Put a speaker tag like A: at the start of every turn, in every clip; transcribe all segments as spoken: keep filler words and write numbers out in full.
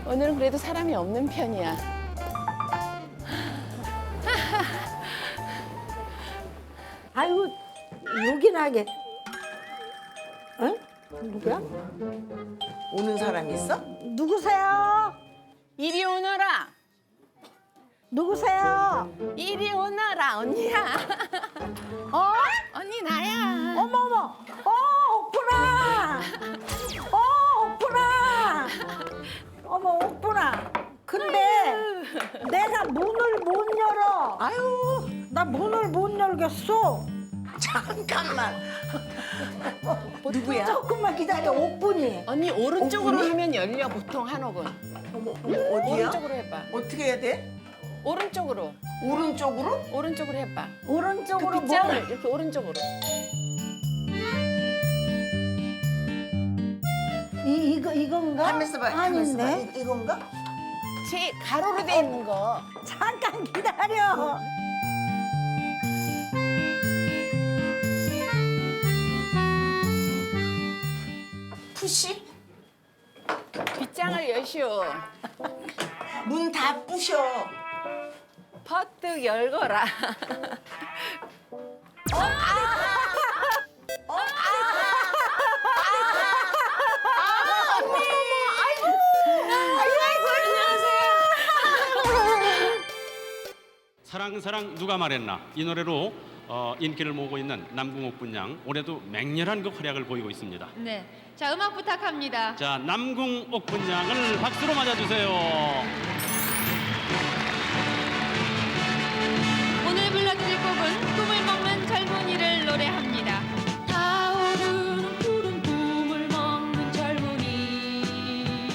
A: 오늘은 그래도 사람이 없는 편이야.
B: 아이고 요긴하게. 응? 누구야?
C: 오는 사람 있어?
B: 누구세요?
A: 이리 오너라.
B: 누구세요?
A: 이리 오너라 언니야.
B: 어?
A: 언니 나야.
B: 어머 어머. 어 옥분아. 어 옥분아. 어머 옥분아. 근데 내가 문을 못 열어.
C: 아유,
B: 나 문을 못 열겠어.
C: 잠깐만. 누구야?
B: 조금만 기다려 옥분이.
A: 언니 오른쪽으로
C: 언니?
A: 하면 열려 보통 한옥은.
C: 어머, 어머, 어디야?
A: 오른쪽으로 해봐.
C: 어떻게 해야 돼?
A: 오른쪽으로.
C: 오른쪽으로?
A: 오른쪽으로 해봐.
B: 오른쪽으로
A: 그 빗장을
B: 뭘?
A: 이렇게 오른쪽으로.
B: 이 이거 이건가?
C: 가면서 봐, 가면서 봐.
B: 아닌데.
C: 이- 이건가?
A: 제 가로로 돼 있는 거.
B: 잠깐 기다려.
C: 푸시?
A: 빗장을 여시오.
C: 문 다 부셔.
A: 퍼뜩 열거라.
D: 사랑 사랑 누가 말했나 이 노래로 어, 인기를 모으고 있는 남궁옥 분양 올해도 맹렬한 그 활약을 보이고 있습니다.
E: 네, 자 음악 부탁합니다.
D: 자 남궁옥 분양을 박수로 맞아주세요.
E: 오늘 불러드릴 곡은 꿈을 먹는 젊은이를 노래합니다. 타오르는 푸른 꿈을 먹는 젊은이,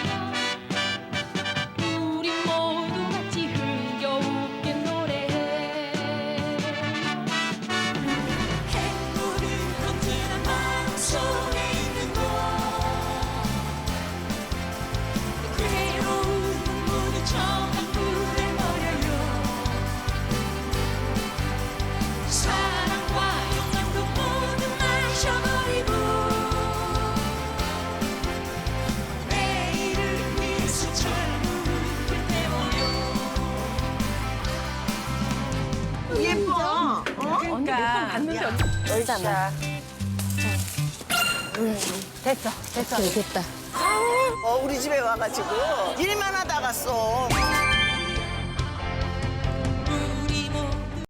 E: 우리 모두 같이 흥겨우게 노래해.
F: 햇물은 언제나 마음속에 있는 것, 괴로운 눈물이 정한 불에 버려요. 사랑과 영광도 모두 마셔버리고 내일을 위해서 젊음을 태워요.
C: 예뻐. 어?
A: 언니 몇 번 봤는데 언니 열잖아. 됐어, 됐어. 됐다.
C: 어, 우리 집에 와가지고 일만 하다 갔어.